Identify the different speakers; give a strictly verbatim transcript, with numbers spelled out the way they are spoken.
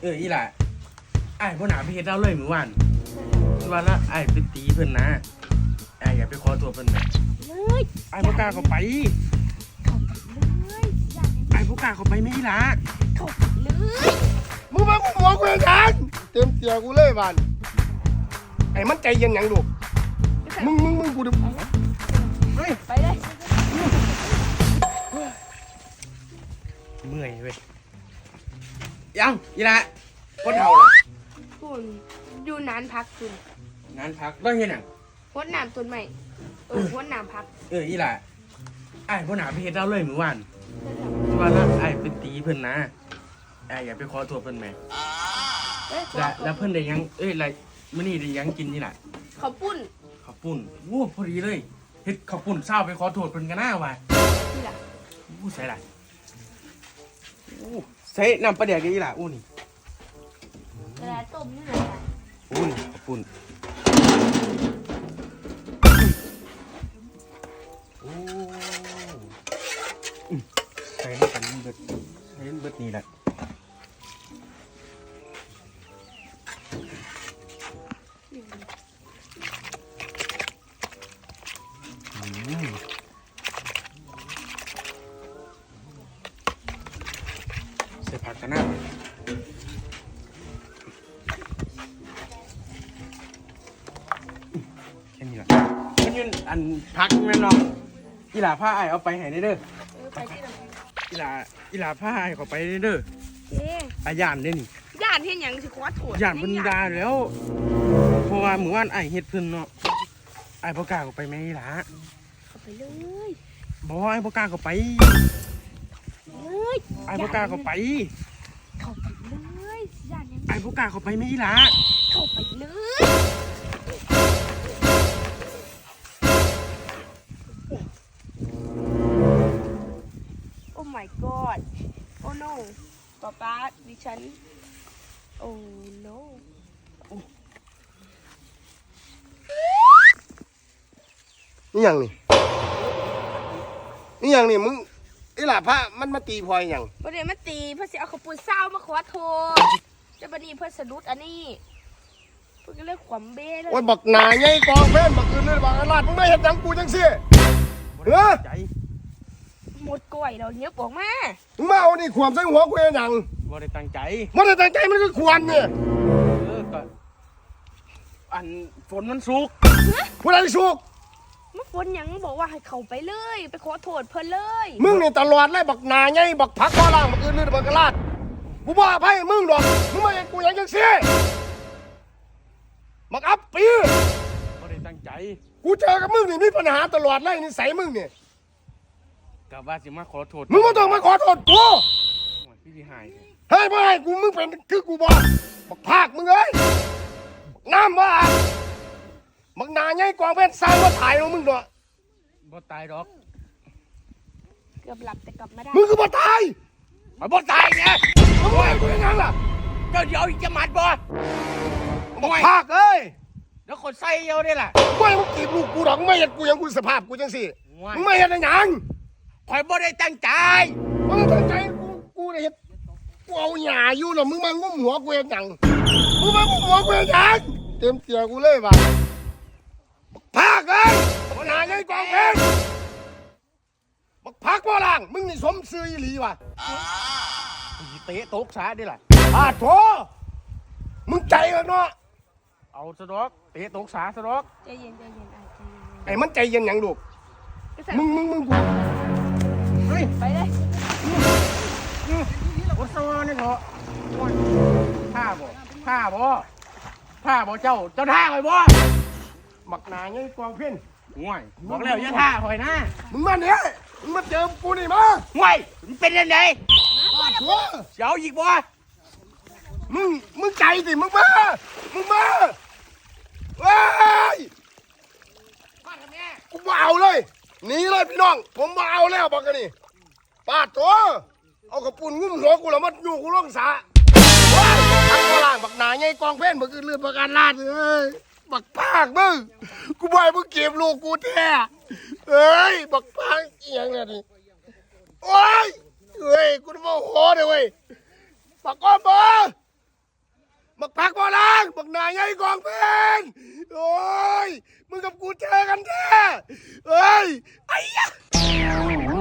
Speaker 1: เอออีหล่ะไอ้พ่อหนาไปเฮ็ดเราเลยเมื่อวานว่าละไอ้ไปตีเพิ่นนะไอ้อย่าไปขอตัวเพิ่นนะ
Speaker 2: เลย
Speaker 1: ไอ้บ่กล้าเข้าไป
Speaker 2: เข้าไปเลยอย่า
Speaker 1: ไอ้บ่กล้าเข้าไปแม่อีหล่ะ
Speaker 2: เข้าไปเลย
Speaker 3: มึงมากูหัวกูยังเต็มเตียกูเลยบ้านไอ้มันใจเย็นยังลูกมึงมึงมึงกูดูเฮ้ย
Speaker 2: ไปเลย
Speaker 1: เมื่อยเว้ยยังอีหล่ะคนเฒ่าล่ะ
Speaker 2: คุณอยู่นานพักคุณ
Speaker 1: งานพักต้องเฮ็ดหยัง
Speaker 2: หัวหนามต้นใหม่เออหัวหนามพัก
Speaker 1: เอออีหล่ะไอ้พ่อหนาไปเฮ็ดเราเลยเมื่อวานว่าละไอ้ไปตีเพิ่นนะไอ้อย่าไปขอตัวเพิ่นแม่แล้วแล้วเพิ่นได้ยังเอ้ยอะไรมื้อนี้ได้ยังกินนี่ล่ะ
Speaker 2: ข้าวปุ้น
Speaker 1: ข้าวปุ้นโอ้พอดีเลยเฮ็ดข้าวปุ้นเช้าไปขอโทษเพิ่นกันหน้าว่ะ
Speaker 2: นี่ล่ะ
Speaker 1: โอ้ใส่ล่ะโอ้ใส่น้ำปลาแดกอีหล่ะโอ้นี่
Speaker 2: กระดาษต้มนี่แหละ
Speaker 1: โอ้นี่ข้าวปุ้นโอ้ใส่ให้กันเบิดใส่ให้เบิดนี่แหละใส่ผักกันนะแค่นี้แหละมันยืนอันพักแม่น้องอีหล่าผ้าไอเอาไปให้เด้อ
Speaker 2: ไปที่ไหน
Speaker 1: อีหล่าอีหล่าผ้าไอเขาไปเด้อ
Speaker 2: เอ๊ะ
Speaker 1: อาย่านเด้นี่
Speaker 2: ย่านเห็นยังสิขอโทษ
Speaker 1: ย่านเพิ่นด่าแล้วเพราะว่าเมื่อวานไอเฮ็ดเพิ่นเนาะไอบ่กล้าเข้าไปแม่อีหล่า
Speaker 2: เข้าไปเลย
Speaker 1: บ่ไอบ่กล้าเข้าไป
Speaker 2: เลย
Speaker 1: ไอบ่กล้าเข้าไป
Speaker 2: เข้าไปเลยย่านยัง
Speaker 1: ไอบ่กล้าเข้าไปแม่อีหล่า
Speaker 2: เข้าไปเลยโอ้ my god โอ้ no ป๊าป๊าดิฉันโอ้ no
Speaker 3: นี่ยังนี่นี่ยังนี่มึงไอ้หล่าพระมันมาตีพลอยยัง
Speaker 2: ประเดี๋ยวมาตีเพื่อสิเอาขปุ่นเศร้ามาขอโทษจะบัดนี้เพื่อสะดุดอันนี้เพื่อก็เลือกขวมเบ้เลย
Speaker 3: โอ้ยบักหนาไงกองเพื่อนบักอื่นเลยบักอาลาดมึงไม่เห็นยังกูจังสิเฮ้ย
Speaker 2: หมดกล้วยเราเนี้ยบอกมา
Speaker 3: มึงมาเอานี่ขวามใส่หัวกูยังยัง
Speaker 1: บ่ได้ตั้งใจ
Speaker 3: บ่ได้ตั้งใจมันก็ควรเนี่ย
Speaker 1: เออก็อันฝนมันสุก
Speaker 3: ผู้ใดสุก
Speaker 2: มันฝนยังบอกว่าให้เขาไปเลยไปขอโทษเพิ่นเลย
Speaker 3: มึงนี่ตลอดเลยบักหนาไงบักผักข้อล่างบักอื่นเลยบักอาลาดกูบ่อภัยมึงดอกมึงไม่เห็นกูยังจังสิบักอับปี
Speaker 1: บ่ได้ตั้งใจ
Speaker 3: กูเจอกับมึงนี่มีปัญหาตลอดเลยนิสัยมึงเนี่ย
Speaker 1: กับว่าสิมาขอโทษ
Speaker 3: มึงไม่ต้องมาขอโทษกู
Speaker 1: พี่พี่หาย
Speaker 3: เฮ้ยไม่กูมึงเป็นคือกูบอกบักภาคมึงเอ้ยน้ำว่าบักนาไงกองเพชรสร้างว่าถ่ายของมึงด้วย
Speaker 1: บ่ตายดอก
Speaker 2: เกือบหลับแต่กลับมาได้
Speaker 3: มึงคือบ่ตาย
Speaker 1: มาบ่ตายไง
Speaker 3: มึงว่ากูยังไงล่ะ
Speaker 1: เจ้าเดี๋ยวอีกจะมัดบ่
Speaker 3: บักภาคเอ้ย
Speaker 1: แล้วคนใส่เยอะได้ล่ะ
Speaker 3: ไม่มึงกีบลูกกูหรอกไม่เห็นกูยังกูสภาพกูจังสิมึงไม่เห็นยัง
Speaker 1: คอยบ่ได้ตั้งใจ
Speaker 3: มึงตั้งใจกูกูได้เห็นกูเอาหญ้าอยู่หรอมึงมางุ้มหัวกูยังมึงมางุ้มหัวกูยังเต็มเตียกูเลยว่ะภาคเอ้ยบักนาไงกองเพชรบักพักบ่ล่างมึงนี่สมซื่ออีหลีว่ะ
Speaker 1: เตะตกสาได้ล่ะ
Speaker 3: อาโถมึงใจกันเนาะ
Speaker 1: เอาสะดอกเตะตกสาสะดอก
Speaker 2: ใจเย็นใจเย็นใจเย็น
Speaker 3: ไอ้มันใจเย็นยังลูกมึงมึงมึงกู
Speaker 2: เฮ้ยไปเลย
Speaker 1: โอ้โหนี่เหรอผ้าบ่ผ้าบ่ผ้าบ่เจ้าเจ้าท่าคอยบ่
Speaker 3: บักนาไงกองเพี้ยน
Speaker 1: ง่วยบอกแล้วอย่าท่าคอยนะ
Speaker 3: มึงมาเนี่ยมึงมาเจอกูนี่มา
Speaker 1: ง่วยมันเป็นยังไงเจ้าอีกบ่
Speaker 3: มึงมึงใจสิมึงมามึงมาเฮ้ยกูมาเอาเลยหนีเลยพี่น้องผมมาเอาแล้วบอกกันนี่ปาดตัวเอากระปุ่นงุ้มหัวกูแล้วมันอยู่กูล่องสาว้ายทักกล่างบักหนาไงกองเพ่นบักอื่นเลือดบักการลาดเอ้ยบักพากมึงกูบ่อยมึงเก็บลูกกูแท้เอ้ยบักพากเอียงเนี่ยดิโอ้ยเฮ้ยกูจะมาโหดเลยเว้ยบักก้อนบ่หนาใหญ่กองเพนโอ้ยมึงกับกูเจอกันแท้เอ้ยไอ้ยะ